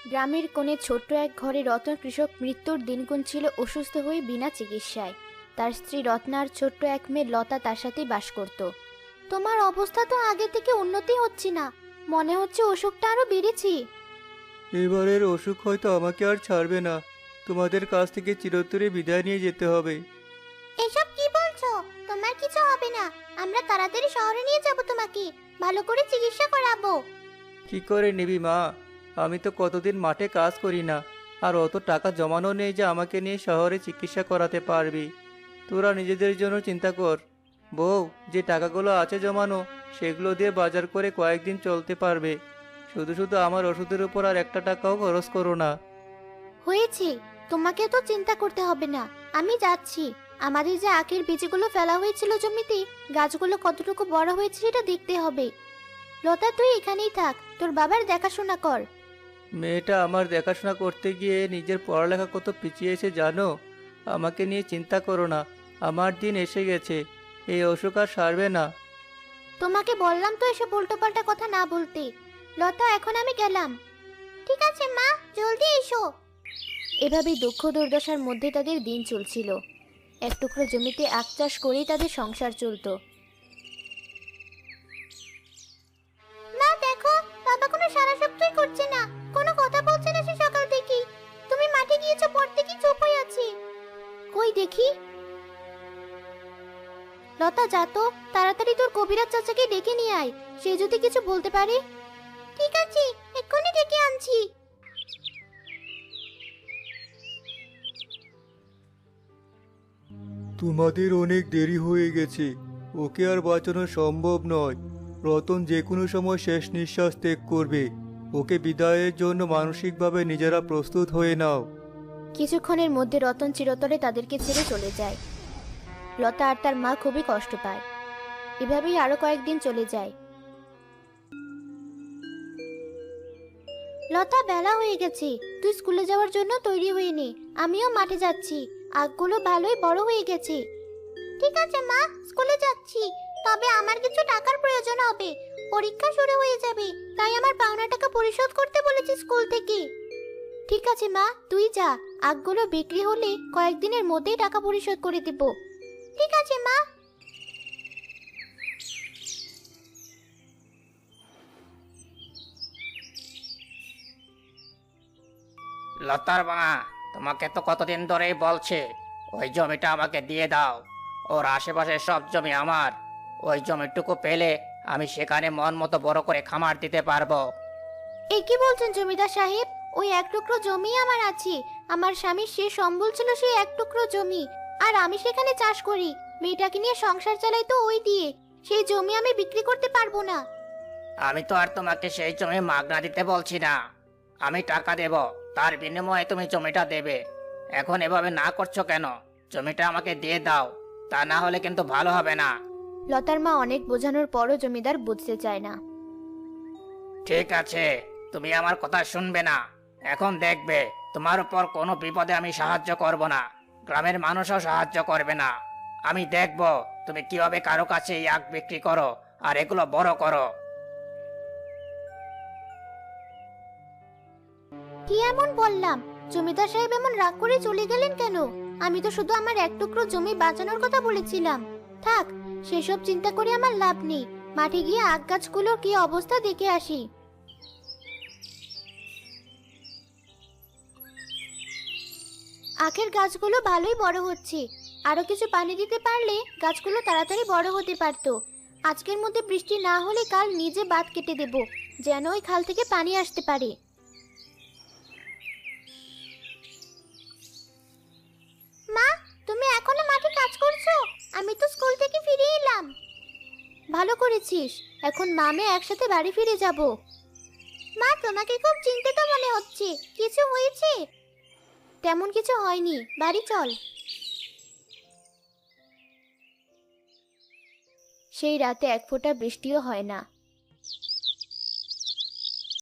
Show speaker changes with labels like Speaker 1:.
Speaker 1: গ্রামের কোণে ছোট্ট এক ঘরে রতন কৃষক মৃত্যুর দিন গুনছিল অসুস্থ হয়ে বিনা চিকিৎসায়। তার স্ত্রী রত্না আর ছোট্ট এক মেয়ে লতা তার সাথেই বাস করত। তোমার অবস্থা তো আগে থেকে উন্নতি হচ্ছে না, মনে হচ্ছে অসুখটা আরো বেড়েছে।
Speaker 2: এবারের অসুখ হয়তো আমাকে আর ছাড়বে না। তোমাদের কাছ থেকে চিরতরে বিদায় নিয়ে যেতে হবে।
Speaker 1: এসব কি বলছো? তোমার কিছু হবে না, আমরা তাড়াতাড়ি শহরে নিয়ে যাব, তোমাকে ভালো করে চিকিৎসা করাবো।
Speaker 2: কি করে নিবি মা? আমি তো কতদিন মাঠে কাজ করি না, আর অত টাকা জমানো নেই যে আমাকে নিয়ে শহরে চিকিৎসা করাতে পারবি। তোরা নিজেদের জন্য চিন্তা কর। বউ, যে টাকাগুলো আছে জমানো সেগুলো দিয়ে বাজার করে কয়েকদিন চলতে পারবে। শুধু শুধু আমার ওষুধের উপর আর একটা টাকাও খরচ করো না।
Speaker 1: হয়েছে, তোমাকে তো চিন্তা করতে হবে না, আমি যাচ্ছি। আমাদের যে আখের বীজগুলো ফেলা হয়েছিল জমিতে, গাছগুলো কতটুকু বড় হয়েছে সেটা দেখতে হবে। লতা, তুই এখানেই থাক, তোর বাবার দেখাশোনা কর।
Speaker 2: মেয়েটা আমার দেখাশোনা করতে গিয়ে নিজের পড়ালেখা কত পিছিয়েছে জানো? আমাকে নিয়ে চিন্তা করো না, আমার দিন এসে গেছে। এই অসুখ আর সারবে না।
Speaker 1: তোমাকে বললাম তো এসব উল্টোপাল্টা কথা না বলতে। লতা, এখন আমি গেলাম। ঠিক আছে মা, জলদি এসো। এভাবেই দুঃখ দুর্দশার মধ্যে তাদের দিন চলছিল। এক টুকরো জমিতে আখ চাষ করেই তাদের সংসার চলতো। মা দেখো, বাবা কোনো সারা শব্দই করছে না, কোনো কথা বলছে না সে সকাল থেকে। তুমি মাঠে গিয়েছো পড়তে কি চুপ হয়ে আছি? কই দেখি। লতা, যা তো, তাড়াতাড়ি তোর কবিরাজ চাচাকে ডেকে নিয়ে আয়, সে যদি কিছু বলতে পারে। ঠিক আছে, এক্ষুনি ডেকে আনছি।
Speaker 2: তোমাদের অনেক দেরি হয়ে গেছে, ওকে আর বাঁচানো সম্ভব নয়। রতন যে কোনো সময় শেষ নিঃশ্বাস ত্যাগ করবে। ওকে বিদায়ের জন্য মানসিকভাবে নিজেরা প্রস্তুত হয়ে নাও।
Speaker 1: কিছুক্ষণের মধ্যে রতন চিরতরে তাদেরকে ছেড়ে চলে যায়। লতা আর তার মা খুবই কষ্ট পায়। এভাবেই আরো কয়েকদিন চলে যায়। লতা, বেলা হয়ে গেছে, তুই স্কুলে যাওয়ার জন্য তৈরি হয়ে নে। আমিও মাঠে যাচ্ছি, আখগুলো ভালোই বড় হয়ে গেছে। ঠিক আছে মা, স্কুলে যাচ্ছি, তবে আমার কিছু টাকার প্রয়োজন হবে। পরীক্ষা শুরু হয়ে যাবে, তাই আমার পাওনা টাকা পরিশোধ করতে বলেছি স্কুল থেকে। ঠিক আছে মা, তুই যা, আখগুলো বিক্রি হলে কয়েকদিনের মধ্যেই টাকা পরিশোধ করে দেব। ঠিক আছে মা।
Speaker 3: লতার মা, তোমাকে তো কতদিন ধরেই বলছে ওই জমিটা আমাকে দিয়ে দাও। ওর আশেপাশের সব জমি আমার। ওই জমিটুকু পেলে আমি সেখানে মন মতো বড় করে খামার দিতে পারবো।
Speaker 1: এ কি বলছেন জমিদার সাহেব? ওই এক টুকরো জমি আমার আছে। আমার স্বামীর শেষ সম্বল ছিল সেই এক টুকরো জমি, আর আমি সেখানে চাষ করি। মেয়েটাকে নিয়ে সংসার চালাই তো ওই দিয়ে। সেই জমি আমি বিক্রি করতে পারবো না।
Speaker 3: আমি তো আর তোমাকে সেই জমি মাগনা দিতে বলছি না। আমি টাকা দেব, তার বিনিময়ে তুমি জমিটা দেবে। এখন এভাবে না করছো কেন? জমিটা আমাকে দিয়ে দাও, তা না হলে কিন্তু ভালো হবে না।
Speaker 1: লতার মা অনেক বোঝানোর পরও জমিদার বুঝতে চায় না।
Speaker 3: ঠিক আছে, তুমি আমার কথা শুনবে না। এখন দেখবে তোমার উপর কোনো বিপদে আমি সাহায্য করব না, গ্রামের মানুষও সাহায্য করবে না। আমি দেখব তুমি কিভাবে কারো কাছে এই আখ বিক্রি করো আর এগুলো বড় করো।
Speaker 1: কি এমন বললাম? জমিদার সাহেব এমন রাগ করে চলে গেলেন কেন? আমি তো শুধু আমার এক টুকরো জমি বাঁচানোর কথা বলেছিলাম। থাক, সেসব চিন্তা করে আমার লাভ নেই। মাঠে গিয়ে আখ গাছগুলোর কি অবস্থা দেখে আসি। আখের গাছগুলো ভালোই বড় হচ্ছে। আরো কিছু পানি দিতে পারলে গাছগুলো তাড়াতাড়ি বড় হতে পারতো। আজকের মধ্যে বৃষ্টি না হলে কাল নিজে বাঁধ কেটে দেব, যেন ওই খাল থেকে পানি আসতে পারে। মা, তুমি এখনো মাঠে কাজ করছো? আমি তো স্কুল থেকে ফিরে এলাম। ভালো করেছিস, এখন মা মেয়ে একসাথে বাড়ি ফিরে যাব। মা, তোমাকে খুব চিন্তিত মনে হচ্ছে, কিছু হয়েছে? তেমন কিছু হয়নি, বাড়ি চল। সেই রাতে এক ফোঁটা বৃষ্টিও হয় না।